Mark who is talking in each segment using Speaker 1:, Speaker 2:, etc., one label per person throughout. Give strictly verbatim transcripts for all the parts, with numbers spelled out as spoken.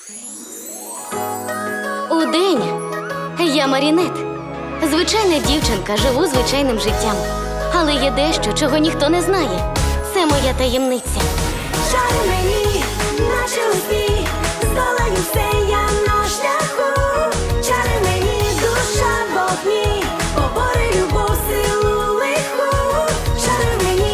Speaker 1: Удень я Марінет. Звичайна дівчинка, живу звичайним життям. Але є дещо, чого ніхто не знає. Це моя таємниця.
Speaker 2: Шари мені, наче усі, здолаю все я на шляху. Чари мені, душа в вогні, побори любов, силу лиху. Шари мені.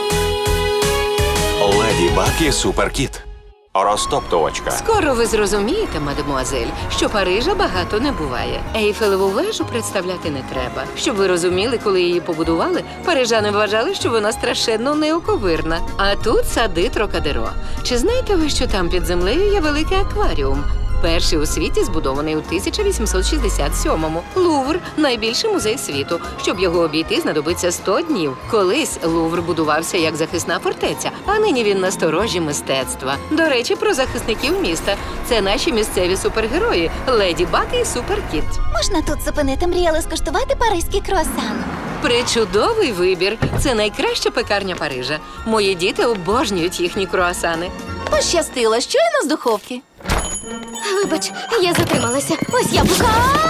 Speaker 3: Леді Баг і Суперкіт. Розтоптувачка.
Speaker 4: Скоро ви зрозумієте, мадемуазель, що Парижа багато не буває. Ейфелеву вежу представляти не треба. Щоб ви розуміли, коли її побудували, парижани вважали, що вона страшенно неоковирна. А тут сади Трокадеро. Чи знаєте ви, що там під землею є великий акваріум? Перший у світі збудований у тисяча вісімсот шістдесят сьомому. Лувр – найбільший музей світу. Щоб його обійти, знадобиться сто днів. Колись Лувр будувався як захисна фортеця, а нині він насторожі мистецтва. До речі, про захисників міста. Це наші місцеві супергерої – Леді Баг і Суперкіт.
Speaker 5: Можна тут зупинити, мріяли скуштувати паризький круасан.
Speaker 4: Причудовий вибір. Це найкраща пекарня Парижа. Мої діти обожнюють їхні круасани.
Speaker 5: Пощастило, щойно з духовки.
Speaker 1: Вибач, я затрималася. Ось яблука.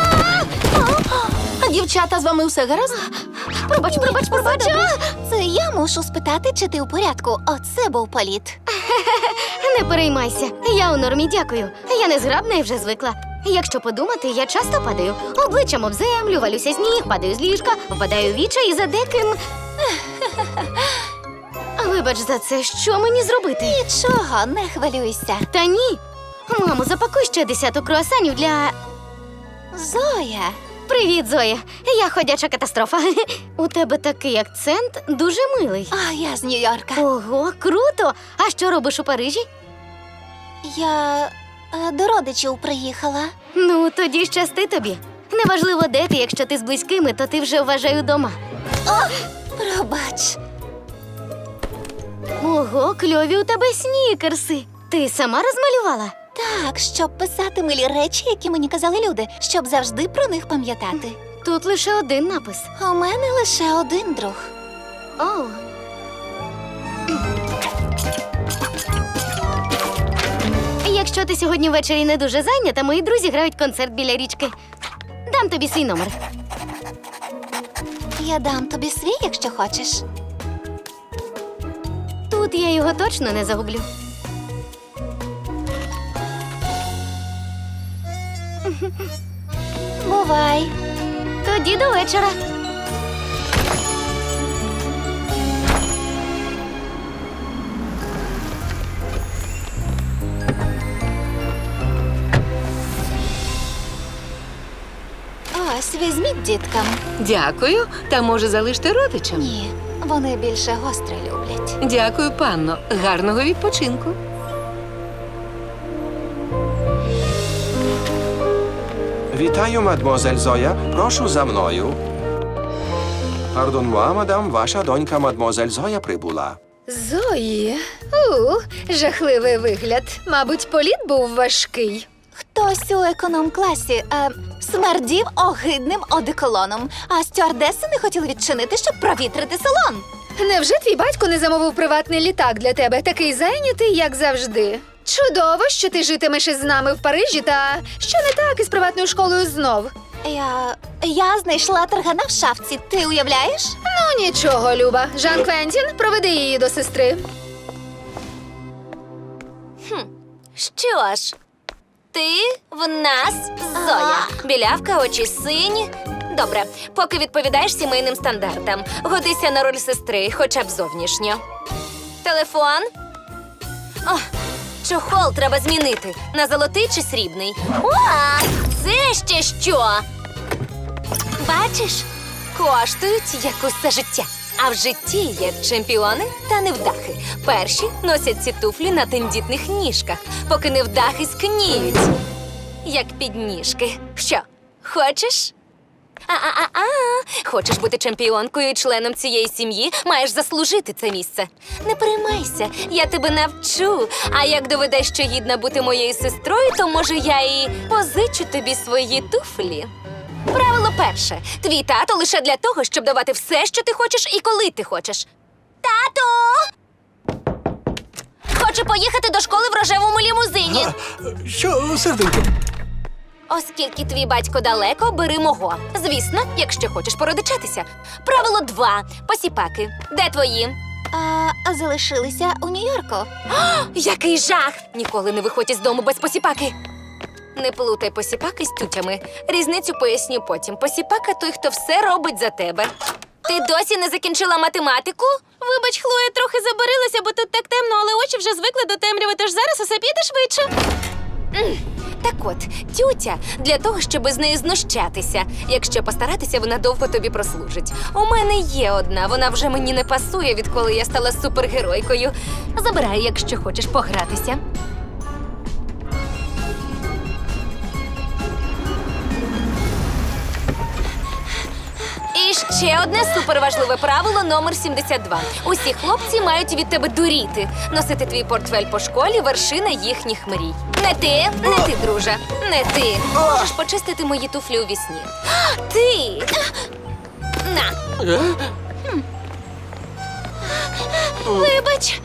Speaker 5: А дівчата, з вами все гаразд?
Speaker 1: Пробач, пробач, пробач.
Speaker 5: Це я мушу спитати, чи ти у порядку. Оце був політ.
Speaker 1: Не переймайся. Я у нормі, дякую. Я не зграбна і вже звикла. Якщо подумати, я часто падаю. Обличчям об землю, валюся з ніг, падаю з ліжка, впадаю в віча і за деким... Вибач за це, що мені зробити?
Speaker 5: Нічого, не хвилюйся.
Speaker 1: Та ні. Мамо, запакуй ще десяток круасанів для...
Speaker 5: Зоя.
Speaker 1: Привіт, Зоя. Я ходяча катастрофа. У тебе такий акцент дуже милий.
Speaker 5: А я з Нью-Йорка.
Speaker 1: Ого, круто! А що робиш у Парижі?
Speaker 5: Я е, до родичів приїхала.
Speaker 1: Ну, тоді щасти тобі. Неважливо, де ти, якщо ти з близькими, то ти вже вважаю дома.
Speaker 5: Пробач.
Speaker 1: Ого, кльові у тебе снікерси. Ти сама розмалювала?
Speaker 5: Так, щоб писати милі речі, які мені казали люди, щоб завжди про них пам'ятати.
Speaker 1: Тут лише один напис.
Speaker 5: У мене лише один друг.
Speaker 1: О. Якщо ти сьогодні ввечері не дуже зайнята, мої друзі грають концерт біля річки. Дам тобі свій номер.
Speaker 5: Я дам тобі свій, якщо хочеш.
Speaker 1: Тут я його точно не загублю.
Speaker 5: Бувай.
Speaker 1: Тоді до вечора.
Speaker 5: Ось, візьміть діткам.
Speaker 4: Дякую. Та може залиште родичам?
Speaker 5: Ні, вони більше гостре люблять.
Speaker 4: Дякую, панно. Гарного відпочинку.
Speaker 3: Вітаю, мадмозель Зоя. Прошу за мною. Пардон-муа, мадам, ваша донька мадмозель Зоя прибула.
Speaker 6: Зої, у, жахливий вигляд. Мабуть, політ був важкий.
Speaker 5: Хтось у економ-класі е, смердів огидним одеколоном, а стюардеси не хотіли відчинити, щоб провітрити салон.
Speaker 6: Невже твій батько не замовив приватний літак для тебе, такий зайнятий, як завжди? Чудово, що ти житимеш із нами в Парижі, та що не так із приватною школою знов?
Speaker 5: Я... я знайшла таргана в шафці, ти уявляєш?
Speaker 6: Ну, нічого, Люба. Жан Квентін, проведи її до сестри.
Speaker 7: Що ж, ти в нас Зоя. Білявка, очі сині. Добре, поки відповідаєш сімейним стандартам. Годися на роль сестри, хоча б зовнішньо. Телефон? О, чохол треба змінити. На золотий чи срібний? О, це ще що? Бачиш? Коштують як усе життя. А в житті є чемпіони та невдахи. Перші носять ці туфлі на тендітних ніжках, поки невдахи скніють. Як підніжки. Що, хочеш? А-а-а-а! Хочеш бути чемпіонкою і членом цієї сім'ї, маєш заслужити це місце. Не переймайся, я тебе навчу. А як доведеш, що гідна бути моєю сестрою, то, може, я і позичу тобі свої туфлі. Правило перше. Твій тато лише для того, щоб давати все, що ти хочеш і коли ти хочеш. Тато! хоче поїхати до школи в рожевому лімузині.
Speaker 8: Що, серденько?
Speaker 7: Оскільки твій батько далеко, бери мого. Звісно, якщо хочеш породичатися. Правило два. Посіпаки. Де твої?
Speaker 5: А залишилися у Нью-Йорку.
Speaker 7: Який жах! Ніколи не виходь із дому без посіпаки. Не плутай посіпаки з тютями. Різницю поясню потім. Посіпака той, хто все робить за тебе. Ти досі не закінчила математику? Вибач, Хлоя, трохи забарилася, бо тут так темно, але очі вже звикли до темряви, тож зараз усе піде швидше. М, Так от, тютя для того, щоб з нею знущатися. Якщо постаратися, вона довго тобі прослужить. У мене є одна, вона вже мені не пасує, відколи я стала супергеройкою. Забирай, якщо хочеш погратися. І ще одне суперважливе правило номер сімдесят два. Усі хлопці мають від тебе дуріти. Носити твій портфель по школі – вершина їхніх мрій. Не ти, не ти, друже, не ти. Можеш почистити мої туфлі у вісні. Ти! На. Вибач.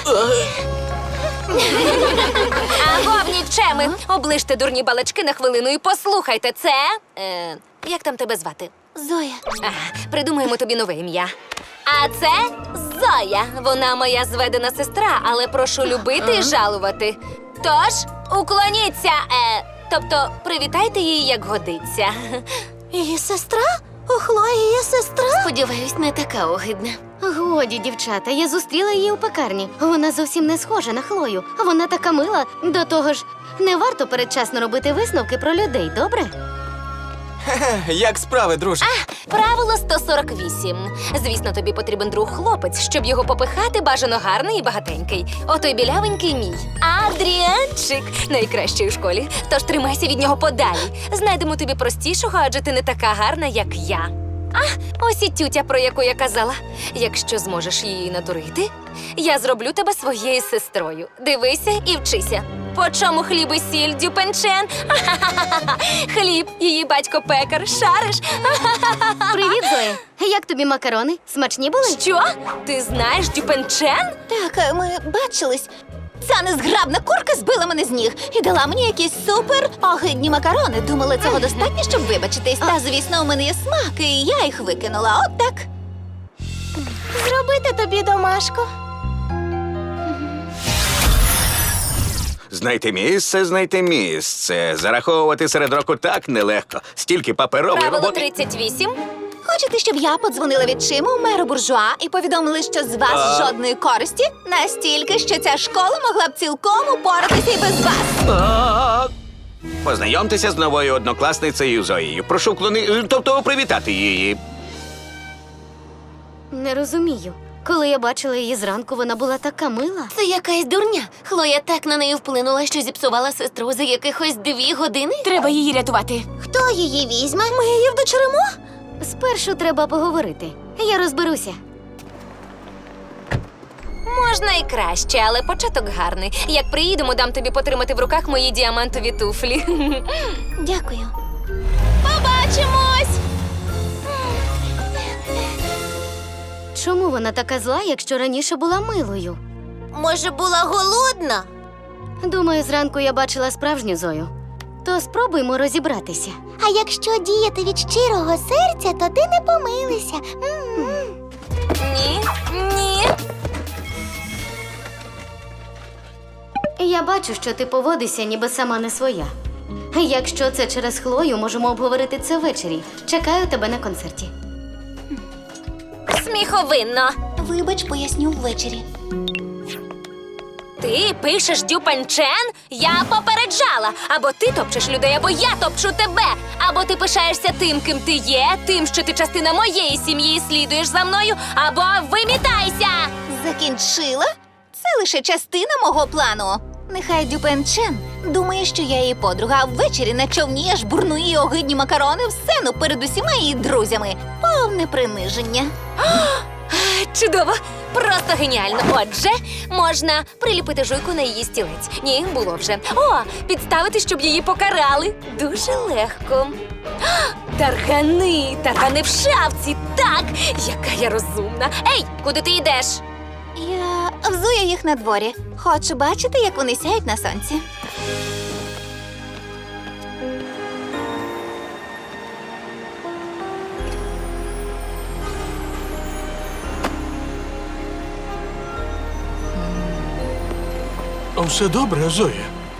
Speaker 7: Аго, нікчеми! Оближте дурні балачки на хвилину і послухайте, це... Е, як там тебе звати?
Speaker 5: Зоя.
Speaker 7: Ага, придумаємо тобі нове ім'я. А це Зоя. Вона моя зведена сестра, але прошу любити і жалувати. Тож, уклоніться, е, тобто привітайте її, як годиться.
Speaker 1: Її сестра? У Хлої є сестра? Сподіваюсь, не така огидна. Годі, дівчата, я зустріла її у пекарні. Вона зовсім не схожа на Хлою. Вона така мила. До того ж, не варто передчасно робити висновки про людей, добре?
Speaker 8: Як справи, друже?
Speaker 7: Правило сто сорок вісім. Звісно, тобі потрібен друг хлопець, щоб його попихати, бажано гарний і багатенький. Отой білявенький мій. Адріанчик. Найкращий у школі. Тож тримайся від нього подалі. Знайдемо тобі простішого, адже ти не така гарна, як я. А, ось і тютя, про яку я казала. Якщо зможеш її надурити, я зроблю тебе своєю сестрою. Дивися і вчися. По чому хліб і сіль, Дюпенчен? Ха-ха-ха-ха. Хліб, її батько пекар, шариш?
Speaker 1: Привіт, Зоя. Як тобі макарони? Смачні були?
Speaker 7: Що? Ти знаєш Дюпенчен?
Speaker 5: Так, ми бачились. Ця незграбна курка збила мене з ніг і дала мені якісь супер огидні макарони. Думала, цього достатньо, щоб вибачитись. Та, звісно, у мене є смак, і я їх викинула. От так.
Speaker 1: Зробити тобі домашку.
Speaker 9: Знайти місце, знайти місце. Зараховувати серед року так нелегко. Стільки паперової
Speaker 7: Правило
Speaker 9: роботи.
Speaker 7: тридцять вісім.
Speaker 5: Хочете, щоб я подзвонила відчиму меру буржуа і повідомили, що з вас
Speaker 9: А.
Speaker 5: жодної користі? Настільки, що ця школа могла б цілком упоратися і без вас.
Speaker 9: А, Познайомтеся з новою однокласницею Зоєю. Прошу вклони... тобто привітати її.
Speaker 1: Не розумію. Коли я бачила її зранку, вона була така мила.
Speaker 7: Це якась дурня. Хлоя так на неї вплинула, що зіпсувала сестру за якихось дві години. Треба її рятувати.
Speaker 1: Хто її візьме? Ми її вдочеремо? Спершу треба поговорити. Я розберуся.
Speaker 7: Можна і краще, але початок гарний. Як приїдемо, дам тобі потримати в руках мої діамантові туфлі.
Speaker 5: Дякую.
Speaker 7: Побачимось!
Speaker 1: Чому вона така зла, якщо раніше була милою?
Speaker 7: Може, була голодна?
Speaker 1: Думаю, зранку я бачила справжню Зою. То спробуймо розібратися.
Speaker 10: А якщо діяти від щирого серця, то ти не помилися.
Speaker 7: Ні, ні.
Speaker 1: Я бачу, що ти поводишся, ніби сама не своя. Якщо це через Хлою, можемо обговорити це ввечері. Чекаю тебе на концерті.
Speaker 7: Сміховинно.
Speaker 5: Вибач, поясню ввечері.
Speaker 7: Ти пишеш Дюпенчен? Я попереджала. Або ти топчеш людей, або я топчу тебе. Або ти пишаєшся тим, ким ти є, тим, що ти частина моєї сім'ї і слідуєш за мною, або вимітайся!
Speaker 5: Закінчила? Це лише частина мого плану. Нехай Дюпенчен думає, що я її подруга, а ввечері на човні аж бурну її огидні макарони в сцену перед усіма її друзями. Повне приниження.
Speaker 7: Чудово! Просто геніально. Отже, можна приліпити жуйку на її стілець. Ні, було вже. О, підставити, щоб її покарали. Дуже легко. Таргани, таргани в шафці. Так, яка я розумна. Ей, куди ти йдеш?
Speaker 5: Я взую їх на дворі. Хочу бачити, як вони сяють на сонці.
Speaker 8: Все добре, Зоя.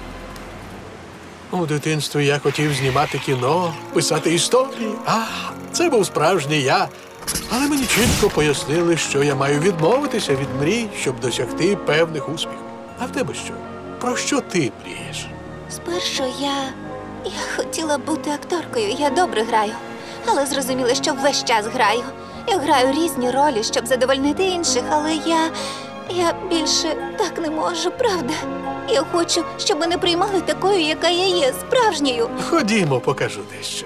Speaker 8: У дитинстві я хотів знімати кіно, писати історії. А, це був справжній я. Але мені чітко пояснили, що я маю відмовитися від мрій, щоб досягти певних успіхів. А в тебе що? Про що ти мрієш?
Speaker 5: Спершу я. Я хотіла бути акторкою, я добре граю. Але зрозуміла, що весь час граю. Я граю різні ролі, щоб задовольнити інших, але я. Я більше так не можу, правда? Я хочу, щоб мене приймали такою, яка я є, справжньою.
Speaker 8: Ходімо, покажу дещо.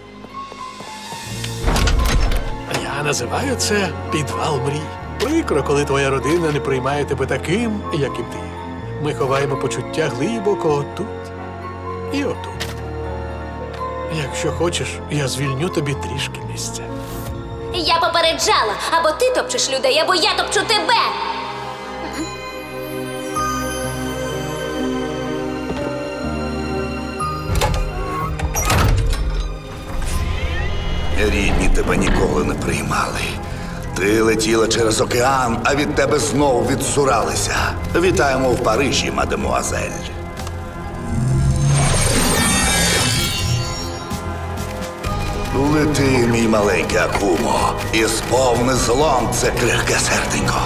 Speaker 8: Я називаю це підвал мрій. Прикро, коли твоя родина не приймає тебе таким, яким ти є. Ми ховаємо почуття глибоко отут і отут. Якщо хочеш, я звільню тобі трішки місця.
Speaker 7: Я попереджала, або ти топчеш людей, або я топчу тебе.
Speaker 11: Рідні тебе ніколи не приймали. Ти летіла через океан, а від тебе знову відсуралися. Вітаємо в Парижі, мадемуазель. Лети, мій маленький Акумо, і сповни злом це крихке серденько.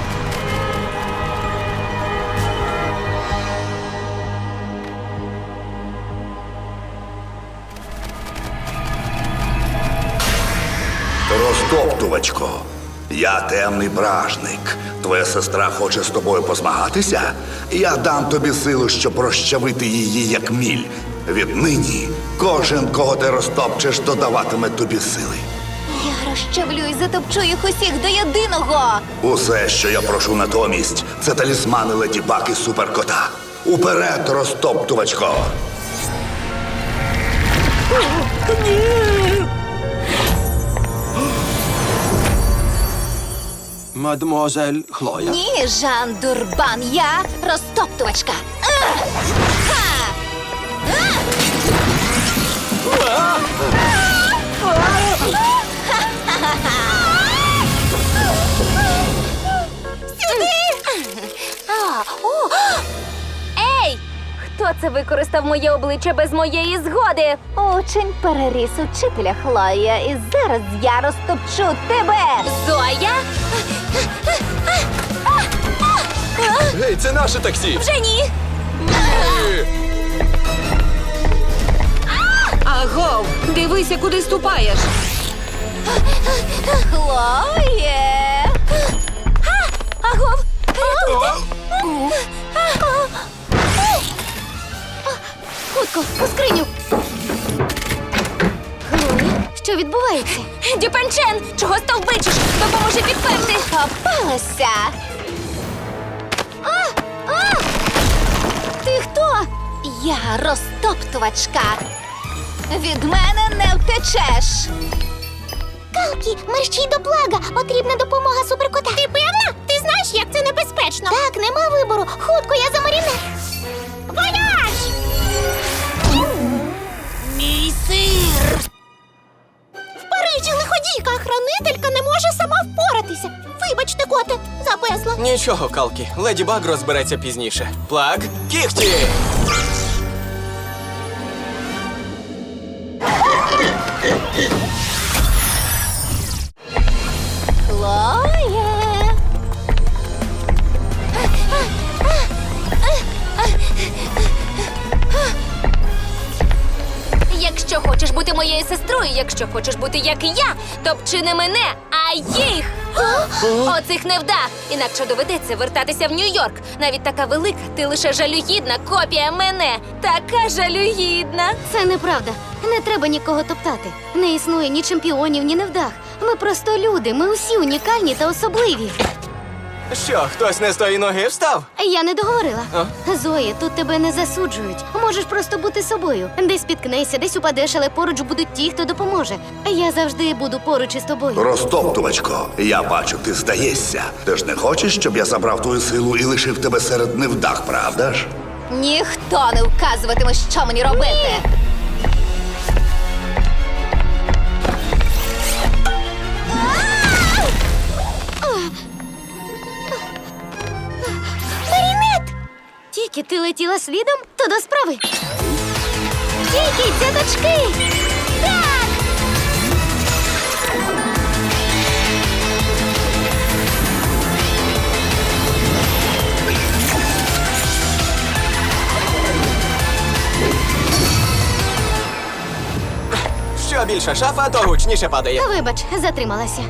Speaker 11: Розтоптувачко, я темний бражник. Твоя сестра хоче з тобою позмагатися? Я дам тобі силу, щоб розчавити її, як міль. Віднині кожен, кого ти розтопчеш, додаватиме тобі сили.
Speaker 5: Я розчавлю і затопчу їх усіх до єдиного.
Speaker 11: Усе, що я прошу натомість, це талісмани Леді Баг і Суперкота. Уперед, розтоптувачко!
Speaker 3: Мадмуазель Хлоя.
Speaker 5: Ні, Жан Дурбан, я розтоптувачка. Ах! Ха!
Speaker 7: Ей! Хто це використав моє обличчя без моєї згоди?
Speaker 5: Учень переріс учителя, Хлоя, і зараз я розтопчу тебе.
Speaker 7: Зоя?
Speaker 8: Гей, це наше таксі!
Speaker 7: Вже ні!
Speaker 4: Агов, дивися, куди ступаєш.
Speaker 5: Хлоє!
Speaker 7: Агов!
Speaker 1: Хутко, у скриню. Хлоя, що відбувається?
Speaker 7: Дюпенчен! Чого стовбичиш? Допоможи підперти!
Speaker 5: Попалася!
Speaker 1: Ти хто?
Speaker 5: Я розтоптувачка. Від мене не втечеш.
Speaker 10: Калкі, мерщій до Блага. Потрібна допомога суперкота. Ти певна? Ти знаєш, як це небезпечно? Так, нема вибору. Хутко, я за Маріне. Вояж! Мій сир! В Парижі лиходійка, хранителька не може сама впоратися. Вибачте, коте, запесла.
Speaker 8: Нічого, Калкі. Леді Баг розбереться пізніше. Плаг, кіхті!
Speaker 5: Хлоє!
Speaker 7: Якщо хочеш бути моєю сестрою, якщо хочеш бути як я, топчи не мене, а їх! Оцих невдах! Інакше доведеться вертатися в Нью-Йорк. Навіть така велика, ти лише жалюгідна копія мене. Така жалюгідна.
Speaker 1: Це неправда. Не треба нікого топтати. Не існує ні чемпіонів, ні невдах. Ми просто люди. Ми усі унікальні та особливі.
Speaker 3: Що, хтось не з тої ноги встав?
Speaker 1: Я не договорила.
Speaker 3: А?
Speaker 1: Зоя, тут тебе не засуджують. Можеш просто бути собою. Десь спіткнешся, десь упадеш, але поруч будуть ті, хто допоможе. Я завжди буду поруч із тобою.
Speaker 11: Розтоптувачко, я бачу, ти здаєшся. Ти ж не хочеш, щоб я забрав твою силу і лишив тебе серед невдах, правда ж?
Speaker 5: Ніхто не вказуватиме, що мені робити.
Speaker 1: Тільки ти летіла слідом, то до справи. Тільки дядочки! Так!
Speaker 3: Що більше шафа, то гучніше падає.
Speaker 1: Вибач, затрималася.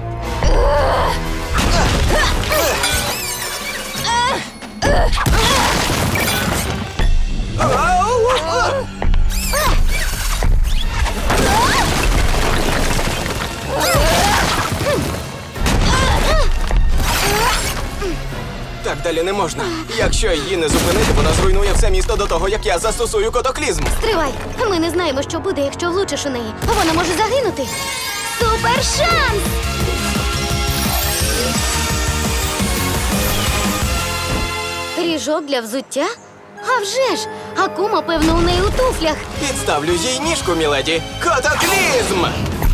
Speaker 3: Так далі не можна. Якщо її не зупинити, вона зруйнує все місто до того, як я застосую котоклізм.
Speaker 1: Стривай! Ми не знаємо, що буде, якщо влучиш у неї. Вона може загинути. Супер шанс! Ріжок для взуття? А вже ж! Акума, певно, у неї у туфлях.
Speaker 3: Підставлю їй ніжку, міледі. Котоклізм!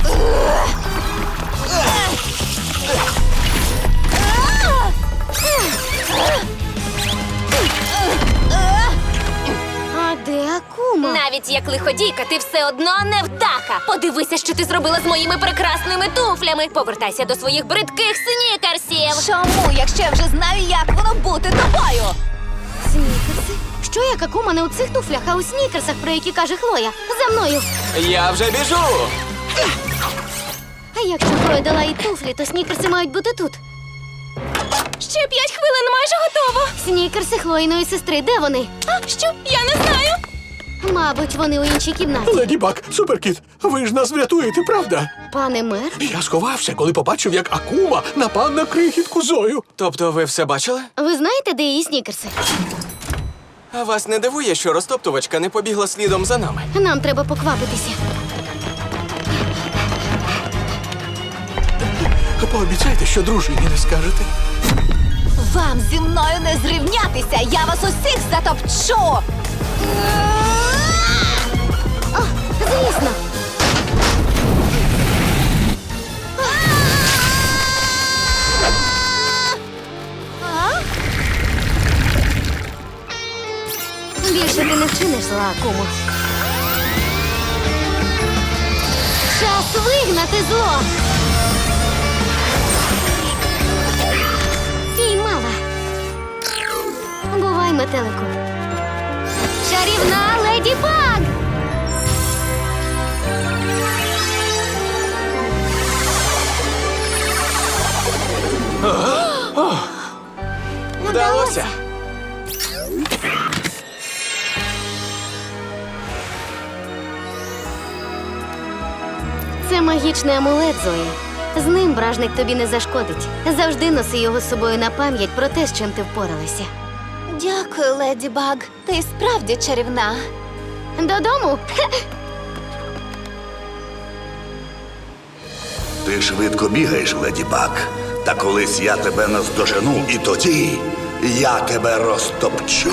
Speaker 1: А де Акума?
Speaker 7: Навіть як лиходійка, ти все одно не вдаха. Подивися, що ти зробила з моїми прекрасними туфлями. Повертайся до своїх бридких снікерсів.
Speaker 5: Чому, якщо я вже знаю, як воно бути тобою?
Speaker 1: Снікерси? Що як Акума не у цих туфлях, а у снікерсах, про які каже Хлоя? За мною!
Speaker 3: Я вже біжу!
Speaker 1: А якщо Хлоя дала їй туфлі, то снікерси мають бути тут.
Speaker 7: Ще п'ять хвилин майже готово.
Speaker 1: Снікерси Хлоїної сестри, де вони?
Speaker 7: А що? Я не знаю.
Speaker 1: Мабуть, вони у іншій кімнаті.
Speaker 8: Леді Баг, суперкіт, ви ж нас врятуєте, правда?
Speaker 1: Пане мер?
Speaker 8: Я сховався, коли побачив, як Акума напав на крихітку Зою.
Speaker 3: Тобто ви все бачили?
Speaker 1: Ви знаєте, де її снікерси?
Speaker 3: А вас не дивує, що розтоптувачка не побігла слідом за нами?
Speaker 1: Нам треба поквапитися.
Speaker 8: Пообіцяйте, що дружині не скажете.
Speaker 5: Вам зі мною не зрівнятися! Я вас усіх затопчу!
Speaker 1: О, звісно. Більше ти не вчиниш зла, Акумо. Час вигнати зло. Піймала. Бувай, метелику. Чарівна Леді Баг!
Speaker 3: Вдалося!
Speaker 1: Це магічний амулет, Зоя. З ним бражник тобі не зашкодить. Завжди носи його з собою на пам'ять про те, з чим ти впоралася.
Speaker 5: Дякую, Леді Баг. Ти справді чарівна.
Speaker 1: Додому?
Speaker 11: Ти швидко бігаєш, Леді Баг. Та колись я тебе наздожену, і тоді я тебе розтопчу.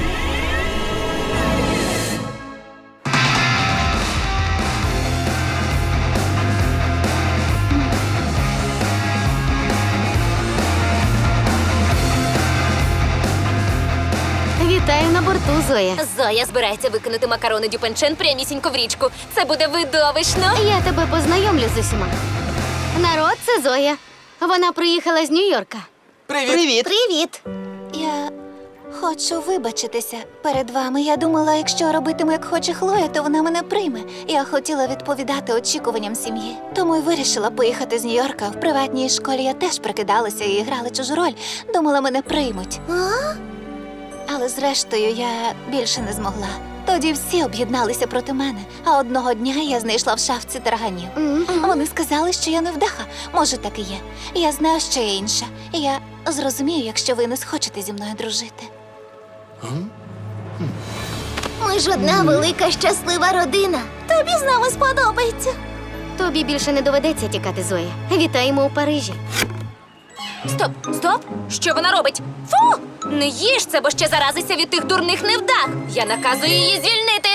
Speaker 1: Вітаю на борту, Зоя.
Speaker 7: Зоя збирається викинути макарони Дюпенчен прямісінько в річку. Це буде видовищно.
Speaker 1: Я тебе познайомлю з усіма. Народ, це Зоя. Вона приїхала з Нью-Йорка.
Speaker 3: Привіт!
Speaker 1: Привіт!
Speaker 5: Я хочу вибачитися перед вами. Я думала, якщо робитиму, як хоче Хлоя, то вона мене прийме. Я хотіла відповідати очікуванням сім'ї. Тому й вирішила поїхати з Нью-Йорка. В приватній школі я теж прикидалася і грала чужу роль. Думала, мене приймуть.
Speaker 10: А?
Speaker 5: Але зрештою я більше не змогла. Тоді всі об'єдналися проти мене, а одного дня я знайшла в шафці тарганів. Вони сказали, що я невдаха. Може, так і є. Я знаю, що я інша. І я зрозумію, якщо ви не схочете зі мною дружити.
Speaker 10: Ми ж одна велика щаслива родина. Тобі з нами сподобається.
Speaker 1: Тобі більше не доведеться тікати, Зоя. Вітаємо у Парижі.
Speaker 7: Стоп, стоп! Що вона робить? Фу! Не їж це, бо ще заразися від тих дурних невдах! Я наказую її звільнити!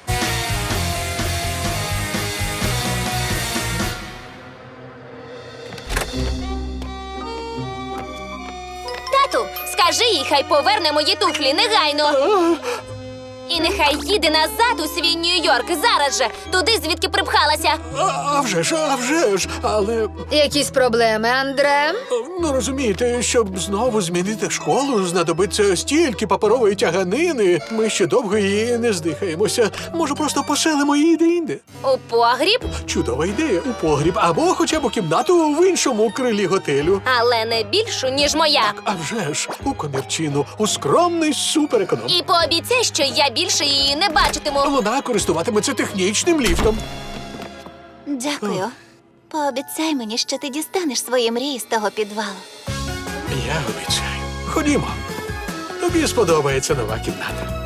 Speaker 7: Тату, скажи їй, хай поверне мої туфлі негайно! І нехай їде назад у свій Нью-Йорк зараз же, туди, звідки припхалася.
Speaker 8: А, а вже ж, а вже ж, але
Speaker 6: Якісь проблеми, Андре?
Speaker 8: ну розумієте, щоб знову змінити школу, знадобиться стільки паперової тяганини. Ми ще довго її не здихаємося. Може, просто поселимо її де-інде?
Speaker 7: У погріб,
Speaker 8: Чудова ідея у погріб або хоча б у кімнату в іншому крилі готелю.
Speaker 7: але не більшу, ніж моя.
Speaker 8: А вже ж у комірчину, у скромний супереконом.
Speaker 7: І пообіцяй, що я більше її не бачитиму.
Speaker 8: Вона користуватиметься технічним ліфтом.
Speaker 5: Дякую. Пообіцяй мені, що ти дістанеш свої мрії з того підвалу.
Speaker 8: Я обіцяю. Ходімо. Тобі сподобається нова кімната.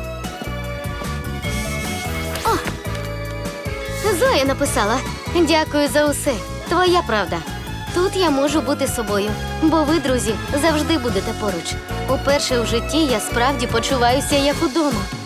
Speaker 1: Зоя написала: дякую за усе. Твоя правда. Тут я можу бути собою, бо ви, друзі, завжди будете поруч. Уперше в житті я справді почуваюся як удома.